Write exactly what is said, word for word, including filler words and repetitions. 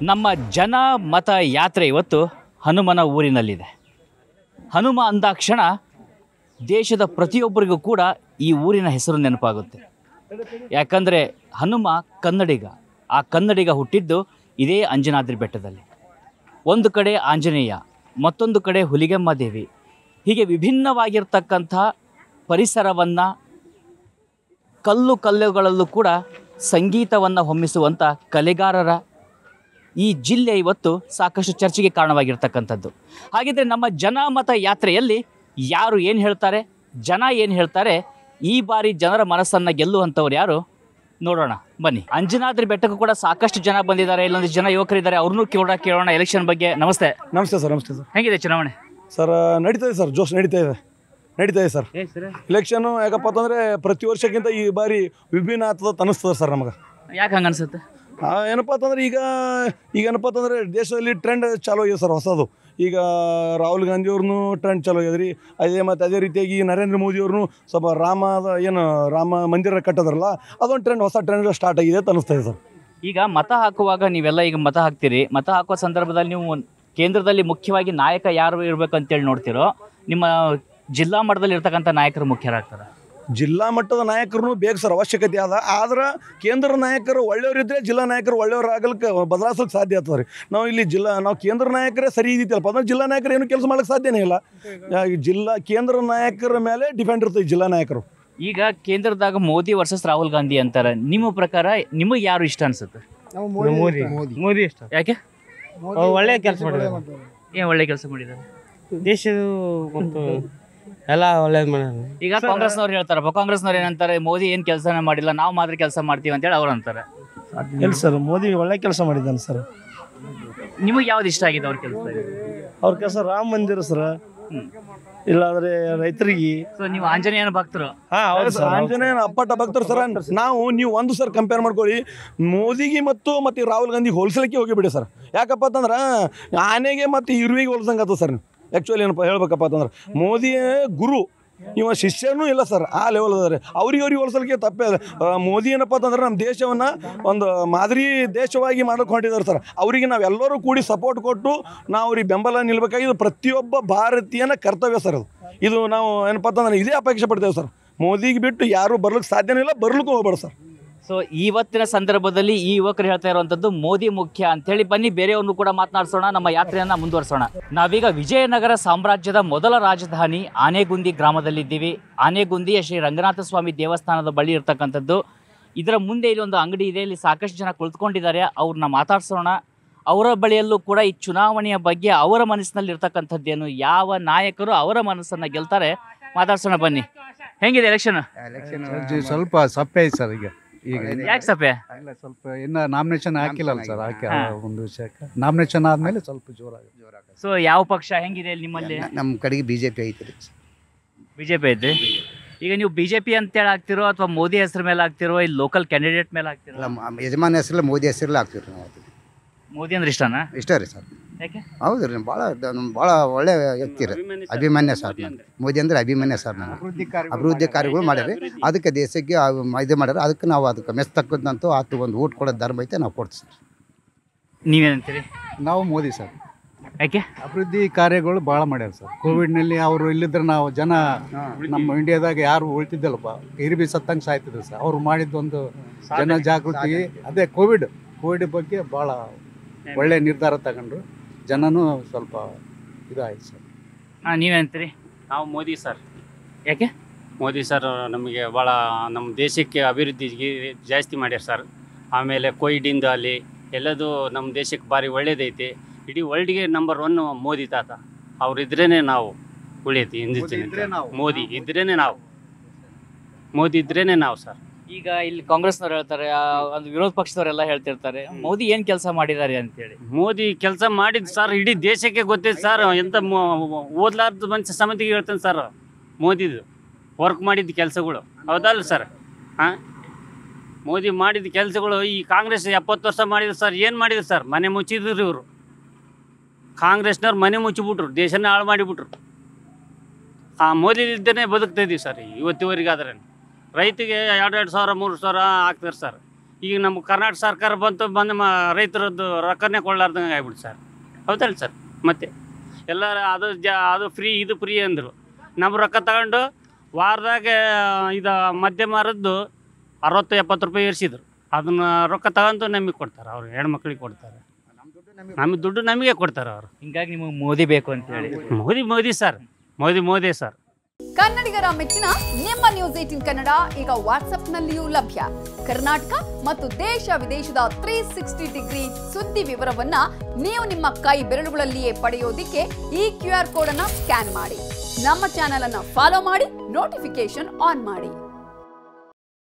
ನಮ್ಮ ಜನ ಮತ ಯಾತ್ರೆ ಇವತ್ತು ಹನುಮನ ಊರಿನಲ್ಲಿದೆ. ಹನುಮ ಅಂದಾಕ್ಷಣ ದೇಶದ ಪ್ರತಿಯೊಬ್ಬರಿಗೂ ಕೂಡ ಈ ಊರಿನ ಹೆಸರು ನೆನಪಾಗುತ್ತೆ. ಯಾಕಂದರೆ ಹನುಮ ಕನ್ನಡಿಗ. ಆ ಕನ್ನಡಿಗ ಹುಟ್ಟಿದ್ದು ಇದೇ ಅಂಜನಾದ್ರಿ ಬೆಟ್ಟದಲ್ಲಿ. ಒಂದು ಕಡೆ ಆಂಜನೇಯ, ಮತ್ತೊಂದು ಕಡೆ ಹುಲಿಗೆಮ್ಮ ದೇವಿ. ಹೀಗೆ ವಿಭಿನ್ನವಾಗಿರ್ತಕ್ಕಂಥ ಪರಿಸರವನ್ನು, ಕಲ್ಲು ಕಲ್ಲುಗಳಲ್ಲೂ ಕೂಡ ಸಂಗೀತವನ್ನು ಹೊಮ್ಮಿಸುವಂಥ ಕಲೆಗಾರರ ಈ ಜಿಲ್ಲೆ ಇವತ್ತು ಸಾಕಷ್ಟು ಚರ್ಚೆಗೆ ಕಾರಣವಾಗಿರ್ತಕ್ಕಂಥದ್ದು. ಹಾಗಿದ್ರೆ ನಮ್ಮ ಜನ ಮತ ಯಾತ್ರೆಯಲ್ಲಿ ಯಾರು ಏನು ಹೇಳ್ತಾರೆ, ಜನ ಏನು ಹೇಳ್ತಾರೆ, ಈ ಬಾರಿ ಜನರ ಮನಸ್ಸನ್ನು ಗೆಲ್ಲುವಂಥವ್ರು ಯಾರು ನೋಡೋಣ ಬನ್ನಿ. ಅಂಜನಾದ್ರಿ ಬೆಟ್ಟಕ್ಕೂ ಕೂಡ ಸಾಕಷ್ಟು ಜನ ಬಂದಿದ್ದಾರೆ, ಇಲ್ಲೊಂದು ಜನ ಯುವಕರಿದ್ದಾರೆ, ಅವ್ರನ್ನೂ ಕೇಳೋಣ ಕೇಳೋಣ ಎಲೆಕ್ಷನ್ ಬಗ್ಗೆ. ನಮಸ್ತೆ. ನಮಸ್ತೆ ಸರ್. ನಮಸ್ತೆ ಸರ್. ಹೇಗಿದೆ ಚುನಾವಣೆ? ಸರ್ ನಡೀತಾ ಇದೆ ಸರ್, ಜೋಶ್ ನಡೀತಾ ಇದೆ ನಡೀತಾ ಇದೆ ಸರ್ ಇಲೆಕ್ಷನ್ನು. ಯಾಕಪ್ಪ ಅಂತಂದರೆ ಪ್ರತಿ ವರ್ಷಕ್ಕಿಂತ ಈ ಬಾರಿ ವಿಭಿನ್ನ ಆಗ್ತದ ಅನ್ನಿಸ್ತದೆ ಸರ್ ನಮಗೆ. ಯಾಕೆ ಹಂಗೆ ಅನ್ಸುತ್ತೆ? ಏನಪ್ಪ ಅಂತಂದ್ರೆ ಈಗ ಈಗ ಏನಪ್ಪ ಅಂತಂದರೆ ದೇಶದಲ್ಲಿ ಟ್ರೆಂಡ್ ಚಾಲೂ ಆಗಿದೆ ಸರ್ ಹೊಸದು. ಈಗ ರಾಹುಲ್ ಗಾಂಧಿಯವ್ರನ್ನೂ ಟ್ರೆಂಡ್ ಚಾಲೂ ಆಗ್ಯದ ರೀ. ಅದೇ ಮತ್ತು ಅದೇ ರೀತಿಯಾಗಿ ನರೇಂದ್ರ ಮೋದಿಯವ್ರನ್ನೂ ಸ್ವಲ್ಪ ರಾಮದ ಏನು ರಾಮ ಮಂದಿರ ಕಟ್ಟೋದ್ರಲ್ಲ, ಅದೊಂದು ಟ್ರೆಂಡ್, ಹೊಸ ಟ್ರೆಂಡ್ ಸ್ಟಾರ್ಟ್ ಆಗಿದೆ ಅಂತ ಅನ್ನಿಸ್ತಾ ಇದೆ ಸರ್. ಈಗ ಮತ ಹಾಕುವಾಗ ನೀವೆಲ್ಲ ಈಗ ಮತ ಹಾಕ್ತೀರಿ, ಮತ ಹಾಕುವ ಸಂದರ್ಭದಲ್ಲಿ ನೀವು ಕೇಂದ್ರದಲ್ಲಿ ಮುಖ್ಯವಾಗಿ ನಾಯಕ ಯಾರು ಇರಬೇಕು ಅಂತೇಳಿ ನೋಡ್ತಿರೋ, ನಿಮ್ಮ ಜಿಲ್ಲಾ ಮಟ್ಟದಲ್ಲಿ ಇರ್ತಕ್ಕಂಥ ನಾಯಕರು ಮುಖ್ಯರಾಗ್ತಾರೆ? ಜಿಲ್ಲಾ ಮಟ್ಟದ ನಾಯಕರು ಬೇಕು ಸರ್, ಅವಶ್ಯಕತೆ ಅದ. ಆದ್ರೆ ಕೇಂದ್ರ ನಾಯಕರು ಒಳ್ಳೆಯವರಿದ್ದರೆ ಜಿಲ್ಲಾ ನಾಯಕರು ಒಳ್ಳೆಯವ್ರು ಆಗಲಿಕ್ಕೆ ಬದಲಾಯಿಸೋಕೆ ಸಾಧ್ಯ ಆಗ್ತದೆ ರೀ. ನಾವು ಇಲ್ಲಿ ಜಿಲ್ಲಾ ನಾವು ಕೇಂದ್ರ ನಾಯಕರೇ ಸರಿ ಇದ್ದೀತಲ್ಲಪ್ಪ ಅಂದ್ರೆ ಜಿಲ್ಲಾ ನಾಯಕರು ಏನು ಕೆಲಸ ಮಾಡೋಕ್ಕೆ ಸಾಧ್ಯನೇ ಇಲ್ಲ. ಜಿಲ್ಲಾ ಕೇಂದ್ರ ನಾಯಕರ ಮೇಲೆ ಡಿಪೆಂಡ್ ಇರ್ತದೆ ಜಿಲ್ಲಾ ನಾಯಕರು. ಈಗ ಕೇಂದ್ರದಾಗ ಮೋದಿ ವರ್ಸಸ್ ರಾಹುಲ್ ಗಾಂಧಿ ಅಂತಾರೆ. ನಿಮ್ಮ ಪ್ರಕಾರ ನಿಮಗೆ ಯಾರು ಇಷ್ಟ ಅನ್ಸುತ್ತೆ? ಮೋದಿ ಮೋದಿ ಇಷ್ಟ. ಯಾಕೆ? ಒಳ್ಳೆ ಕೆಲಸ ಮಾಡಿದ್ದಾರೆ. ಏನು ಒಳ್ಳೆ ಕೆಲಸ ಮಾಡಿದ್ದಾರೆ? ದೇಶದ ಮತ್ತು ಎಲ್ಲ ಒಳ್ಳೇದು ಮಾಡ್ಯಾರ. ಈಗ ಕಾಂಗ್ರೆಸ್ನವ್ರು ಹೇಳ್ತಾರಪ್ಪ, ಕಾಂಗ್ರೆಸ್ನವ್ರು ಏನಂತಾರೆ, ಮೋದಿ ಏನು ಕೆಲಸನೇ ಮಾಡಿಲ್ಲ, ನಾವು ಮಾತ್ರ ಕೆಲಸ ಮಾಡ್ತೀವಿ ಅಂತೇಳಿ ಅವ್ರು ಅಂತಾರೆ. ಇಲ್ಲ ಸರ್, ಮೋದಿ ಒಳ್ಳೆ ಕೆಲಸ ಮಾಡಿದ್ದಾನೆ ಸರ್. ನಿಮಗೆ ಯಾವ್ದು ಇಷ್ಟ ಆಗಿದೆ ಅವ್ರ ಕೆಲಸ? ಅವ್ರ ಕೆಲಸ ರಾಮ ಮಂದಿರ ಸರ್, ಇಲ್ಲಾಂದ್ರೆ ರೈತರಿಗೆ. ಸೊ ನೀವು ಆಂಜನೇಯನ ಭಕ್ತರು? ಹಾಂ ಹೌದು ಸರ್, ಆಂಜನೇಯನ ಅಪ್ಪಟ ಭಕ್ತರು ಸರ್. ನಾವು ನೀವು ಒಂದು ಸರ್ ಕಂಪೇರ್ ಮಾಡ್ಕೊಳ್ಳಿ, ಮೋದಿಗೆ ಮತ್ತು ಮತ್ತು ರಾಹುಲ್ ಗಾಂಧಿಗೆ ಹೋಲಿಸಲಿಕ್ಕೆ ಹೋಗಿಬಿಡಿ ಸರ್. ಯಾಕಪ್ಪ ಅಂತಂದ್ರೆ ಆನೆಗೆ ಮತ್ತು ಇರುವಿಗೆ ಹೋಲ್ಸಂಗೆ ಆಗ್ತದೆ ಸರ್. ಆ್ಯಕ್ಚುಲಿ ಏನಪ್ಪ ಹೇಳ್ಬೇಕಪ್ಪ ಅಂತಂದ್ರೆ ಮೋದಿ ಗುರು, ಇವ ಶಿಷ್ಯನೂ ಇಲ್ಲ ಸರ್, ಆ ಲೆವೆಲ್ ಅದಾರೆ. ಅವ್ರಿಗೆ ಅವ್ರಿಗೆ ಹೋಲಿಸಲಿಕ್ಕೆ ತಪ್ಪೇ ಅದ. ಮೋದಿ ಏನಪ್ಪ ಅಂತಂದ್ರೆ ನಮ್ಮ ದೇಶವನ್ನು ಒಂದು ಮಾದರಿ ದೇಶವಾಗಿ ಮಾಡಕ್ಕೆ ಹೊಂಟಿದ್ದಾರೆ ಸರ್. ಅವರಿಗೆ ನಾವೆಲ್ಲರೂ ಕೂಡಿ ಸಪೋರ್ಟ್ ಕೊಟ್ಟು ನಾವು ಅವ್ರಿಗೆ ಬೆಂಬಲ ನಿಲ್ಬೇಕಾಗಿದ್ದು ಪ್ರತಿಯೊಬ್ಬ ಭಾರತೀಯನ ಕರ್ತವ್ಯ ಸರ್. ಅದು ಇದು ನಾವು ಏನಪ್ಪ ಅಂತಂದ್ರೆ ಇದೇ ಅಪೇಕ್ಷೆ ಪಡ್ತೇವೆ ಸರ್. ಮೋದಿಗೆ ಬಿಟ್ಟು ಯಾರೂ ಬರ್ಲಿಕ್ಕೆ ಸಾಧ್ಯನೇ ಇಲ್ಲ, ಬರ್ಲಿಕ್ಕೂ ಹೋಗ್ಬೇಡ ಸರ್. ಸೊ ಇವತ್ತಿನ ಸಂದರ್ಭದಲ್ಲಿ ಈ ಯುವಕರು ಹೇಳ್ತಾ ಇರುವಂಥದ್ದು ಮೋದಿ ಮುಖ್ಯ ಅಂತೇಳಿ. ಬನ್ನಿ ಬೇರೆಯವ್ರನ್ನು ಕೂಡ ಮಾತನಾಡಿಸೋಣ, ನಮ್ಮ ಯಾತ್ರೆಯನ್ನು ಮುಂದುವರಿಸೋಣ. ನಾವೀಗ ವಿಜಯನಗರ ಸಾಮ್ರಾಜ್ಯದ ಮೊದಲ ರಾಜಧಾನಿ ಆನೆಗುಂದಿ ಗ್ರಾಮದಲ್ಲಿದ್ದೀವಿ. ಆನೆಗುಂದಿಯ ಶ್ರೀ ರಂಗನಾಥ ಸ್ವಾಮಿ ದೇವಸ್ಥಾನದ ಬಳಿ ಇರ್ತಕ್ಕಂಥದ್ದು. ಇದರ ಮುಂದೆ ಇಲ್ಲಿ ಒಂದು ಅಂಗಡಿ ಇದೆ, ಇಲ್ಲಿ ಸಾಕಷ್ಟು ಜನ ಕುಳಿತುಕೊಂಡಿದ್ದಾರೆ. ಅವ್ರನ್ನ ಮಾತಾಡ್ಸೋಣ. ಅವರ ಬಳಿಯಲ್ಲೂ ಕೂಡ ಈ ಚುನಾವಣೆಯ ಬಗ್ಗೆ ಅವರ ಮನಸ್ಸಿನಲ್ಲಿ ಇರ್ತಕ್ಕಂಥದ್ದೇನು, ಯಾವ ನಾಯಕರು ಅವರ ಮನಸ್ಸನ್ನು ಗೆಲ್ತಾರೆ, ಮಾತಾಡ್ಸೋಣ ಬನ್ನಿ. ಹೆಂಗಿದೆ ಎಲೆಕ್ಷನ್? ಎಲೆಕ್ಷನ್ ಸ್ವಲ್ಪ ಸಪ್ಪೆ ಐತೆ ಸರ್. ಈಗ ಈಗ ಯಾಕೆ ಸಪ್ಪೆ? ಇಲ್ಲ, ಸ್ವಲ್ಪ ಇನ್ನು ನಾಮಿನೇಷನ್ ಹಾಕಿಲ್ಲಲ್ಲ ಸರ್. ಹಾಕಿ ಒಂದು ವಿಷಯಕ್ಕೆ ನಾಮಿನೇಷನ್ ಆದಮೇಲೆ ಸ್ವಲ್ಪ ಜೋರಾಗಿ ಜೋರಾಗ. ಸೊ ಯಾವ ಪಕ್ಷ ಹೆಂಗಿದೆ ನಿಮ್ಮಲ್ಲಿ? ನಮ್ಮ ಕಡೆಗೆ ಬಿ ಜೆ ಪಿ ಐತ್ರಿ. ಬಿ ಜೆ ಪಿ ಐತೆ. ಈಗ ನೀವು ಬಿ ಜೆ ಪಿ ಅಂತೇಳಿ ಆಗ್ತಿರೋ ಅಥವಾ ಮೋದಿ ಹೆಸರು ಮೇಲೆ ಆಗ್ತಿರೋ, ಇಲ್ಲಿ ಲೋಕಲ್ ಕ್ಯಾಂಡಿಡೇಟ್ ಮೇಲೆ ಆಗ್ತಿರೋ? ನಮ್ಮ ಯಜಮಾನ ಹೆಸರಲ್ಲ, ಮೋದಿ ಹೆಸರಲ್ಲ ಆಗ್ತೀವಿ ರೀ ನಾವು. ಮೋದಿ ಅಂದ್ರೆ ಇಷ್ಟನಾ? ಇಷ್ಟ ರೀ ಸರ್. ಯಾಕೆ? ಹೌದು ರೀ, ಭಾಳ ಭಾಳ ಒಳ್ಳೆ ವ್ಯಕ್ತಿ ರೀ, ಅಭಿಮಾನ್ಯ ಸರ್. ನನಗೆ ಮೋದಿ ಅಂದರೆ ಅಭಿಮಾನ್ಯ ಸರ್. ನಾನು ಅಭಿವೃದ್ಧಿ ಕಾರ್ಯಗಳು ಮಾಡ್ಯಾರ, ಅದಕ್ಕೆ ದೇಶಕ್ಕೆ ಇದು ಮಾಡ್ಯಾರ. ಅದಕ್ಕೆ ನಾವು ಅದಕ್ಕೆ ಮೆಚ್ಚತಕ್ಕಂತೂ ಆತು ಒಂದು ಊಟ ಕೊಡೋದು ಧರ್ಮ ಐತೆ, ನಾವು ಕೊಡ್ತೀವಿ ಸರ್. ನೀವೇನಂತೀರಿ? ನಾವು ಮೋದಿ ಸರ್. ಯಾಕೆ? ಅಭಿವೃದ್ಧಿ ಕಾರ್ಯಗಳು ಭಾಳ ಮಾಡ್ಯಾರ ಸರ್. ಕೋವಿಡ್ನಲ್ಲಿ ಅವರು ಇಲ್ಲಿದ್ರೆ ನಾವು ಜನ ನಮ್ಮ ಇಂಡಿಯಾದಾಗ ಯಾರು ಉಳ್ತಿದ್ದಲ್ಲಪ್ಪ, ಇರಿಬಿ ಸತ್ತಂಗೆ ಸಾಯ್ತಿದ್ರು ಸರ್. ಅವ್ರು ಮಾಡಿದ್ದೊಂದು ಜನ ಜಾಗೃತಿ, ಅದೇ ಕೋವಿಡ್ ಕೋವಿಡ್ ಬಗ್ಗೆ ಭಾಳ ಒಳ್ಳೆ ನಿರ್ಧಾರ ತಗೊಂಡ್ರು. ಜನನೂ ಸ್ವಲ್ಪ ಇದಾಯ್ತು ಸರ್. ಹಾಂ, ನೀವೇನಂತೀರಿ? ನಾವು ಮೋದಿ ಸರ್. ಯಾಕೆ? ಮೋದಿ ಸರ್ ನಮಗೆ ಭಾಳ ನಮ್ಮ ದೇಶಕ್ಕೆ ಅಭಿವೃದ್ಧಿಗೆ ಜಾಸ್ತಿ ಮಾಡ್ಯಾರ ಸರ್. ಆಮೇಲೆ ಕೋವಿಡಿಂದ ಅಲ್ಲಿ ಎಲ್ಲದೂ ನಮ್ಮ ದೇಶಕ್ಕೆ ಭಾರಿ ಒಳ್ಳೇದೈತಿ. ಇಡೀ ವರ್ಲ್ಡ್ಗೆ ನಂಬರ್ ಒನ್ ಮೋದಿ ತಾತ. ಅವ್ರಿದ್ರೇ ನಾವು ಉಳಿಯತಿ. ಹಿಂದಿನ ಮೋದಿ ಇದ್ರೇ ನಾವು ಮೋದಿ ಇದ್ರೇ ನಾವು ಸರ್. ಈಗ ಇಲ್ಲಿ ಕಾಂಗ್ರೆಸ್ನವ್ರು ಹೇಳ್ತಾರೆ, ಒಂದು ವಿರೋಧ ಪಕ್ಷದವರೆಲ್ಲ ಹೇಳ್ತಿರ್ತಾರೆ ಮೋದಿ ಏನು ಕೆಲಸ ಮಾಡಿದ್ದಾರೆ ಅಂತೇಳಿ. ಮೋದಿ ಕೆಲಸ ಮಾಡಿದ್ದು ಸರ್ ಇಡೀ ದೇಶಕ್ಕೆ ಗೊತ್ತೈತೆ ಸರ್. ಎಂಥ ಓದ್ಲಾರ್ದು ಮನುಷ್ಯ ಸಮಿತಿಗೆ ಹೇಳ್ತಾನೆ ಸರ್. ಮೋದಿದು ವರ್ಕ್ ಮಾಡಿದ ಕೆಲಸಗಳು ಹೌದಲ್ಲ ಸರ್? ಹಾಂ, ಮೋದಿ ಮಾಡಿದ ಕೆಲಸಗಳು ಈ ಕಾಂಗ್ರೆಸ್ ಎಪ್ಪತ್ತು ವರ್ಷ ಮಾಡಿದ್ರು ಸರ್. ಏನು ಮಾಡಿದ್ರು ಸರ್? ಮನೆ ಮುಚ್ಚಿದ್ರು ಇವರು. ಕಾಂಗ್ರೆಸ್ನವ್ರು ಮನೆ ಮುಚ್ಚಿಬಿಟ್ರು, ದೇಶನ ಹಾಳು ಮಾಡಿಬಿಟ್ರು. ಆ ಮೋದಿ ಇದ್ದನೇ ಬದುಕ್ತಾ ಇದ್ದೀವಿ ಸರ್ ಇವತ್ತಿವರೆಗಾದ್ರೆ. ರೈತಿಗೆ ಎರಡು ಎರಡು ಸಾವಿರ ಮೂರು ಸಾವಿರ ಹಾಕ್ತಾರೆ ಸರ್. ಈಗ ನಮ್ಮ ಕರ್ನಾಟಕ ಸರ್ಕಾರ ಬಂತು ಬಂದು ಮ ರೈತರದ್ದು ರೊಕ್ಕನೇ ಕೊಡಲಾರ್ದಂಗೆ ಆಗ್ಬಿಡ್ತು ಸರ್ ಹೌದಲ್ಲ ಸರ್ ಮತ್ತೆ ಎಲ್ಲರ ಅದು ಜ ಅದು ಫ್ರೀ ಇದು ಫ್ರೀ ಅಂದರು ನಮ್ಮ ರೊಕ್ಕ ತಗೊಂಡು ವಾರದಾಗ ಇದು ಮದ್ಯ ಮಾರದ್ದು ಅರವತ್ತು ಎಪ್ಪತ್ತು ರೂಪಾಯಿ ಏರಿಸಿದ್ರು ಅದನ್ನ ರೊಕ್ಕ ತಗೊಂಡು ನಮಗೆ ಕೊಡ್ತಾರೆ ಅವ್ರು ಹೆಣ್ಮಕ್ಳಿಗೆ ಕೊಡ್ತಾರೆ ನಮಗೆ ದುಡ್ಡು ನಮಗೆ ಕೊಡ್ತಾರೆ ಅವರು ಹಿಂಗಾಗಿ ನಿಮಗೆ ಮೋದಿ ಬೇಕು ಅಂತ ಹೇಳಿ ಮೋದಿ ಮೋದಿ ಸರ್ ಮೋದಿ ಮೋದಿ ಸರ್ ಕನ್ನಡಿಗರ ಮೆಚ್ಚಿನ ನಿಮ್ಮ ನ್ಯೂಸ್ ಏಟೀನ್ ಕನ್ನಡ ಈಗ ವಾಟ್ಸ್ಆಪ್ನಲ್ಲಿಯೂ ಲಭ್ಯ. ಕರ್ನಾಟಕ ಮತ್ತು ದೇಶ ವಿದೇಶದ ತ್ರೀ ಸಿಕ್ಸ್ಟಿ ಡಿಗ್ರಿ ಸುದ್ದಿ ವಿವರವನ್ನ ನೀವು ನಿಮ್ಮ ಕೈ ಬೆರಳುಗಳಲ್ಲಿಯೇ ಪಡೆಯೋದಿಕ್ಕೆ ಈ ಕ್ಯೂ ಆರ್ ಕೋಡ್ ಅನ್ನ ಸ್ಕ್ಯಾನ್ ಮಾಡಿ. ನಮ್ಮ ಚಾನೆಲ್ ಅನ್ನ ಫಾಲೋ ಮಾಡಿ, ನೋಟಿಫಿಕೇಶನ್ ಆನ್ ಮಾಡಿ.